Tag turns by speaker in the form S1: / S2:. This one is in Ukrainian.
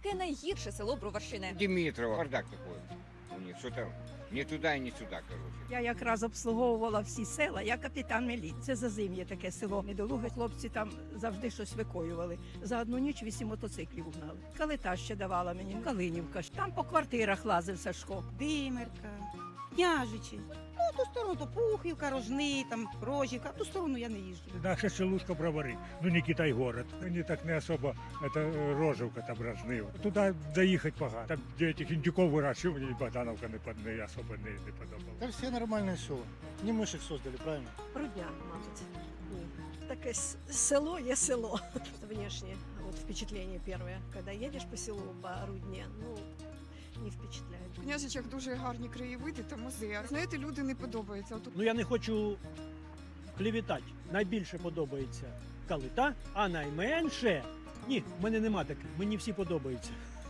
S1: яке найгірше село Броварщини?
S2: Димитрова, бардак такой. У них что-то не туда и не сюда, короче.
S3: Я якраз обслуговувала всі села, я капітан міліції. Це Зазим'є таке село. Недолуге хлопці там завжди щось викоювали. За одну ніч 8 мотоциклів угнали. Калита ще давала мені, Калинівка. Там по квартирах лазив Сашко.
S4: Димирка, Княжичі. Ну, ту сторону то Пухівка, Рожни, там Рожівка. В ту сторону я не їжджу.
S5: Наша селушка Бровари, ну не Китай-город. Они так не особо, это Рожевка, там Рожни. Туда доехать погано. Там, где этих індюков вирощують, мені Богдановка не особо не подобала.
S6: Та всі нормальні села. Не ми ж їх создали, правильно?
S7: Рудня, мабуть. Ні. Таке село є село. Внешне, вот впечатление первое. Когда едешь по селу, по Рудне, ну, не впечатляет.
S8: В Княжичах дуже гарні краєвиди та музеї. Знаєте, люди не подобаються. От
S9: Ну я не хочу клівітати. Найбільше подобається Калита, а найменше. Ні, в мене нема таких. Мені всі подобаються.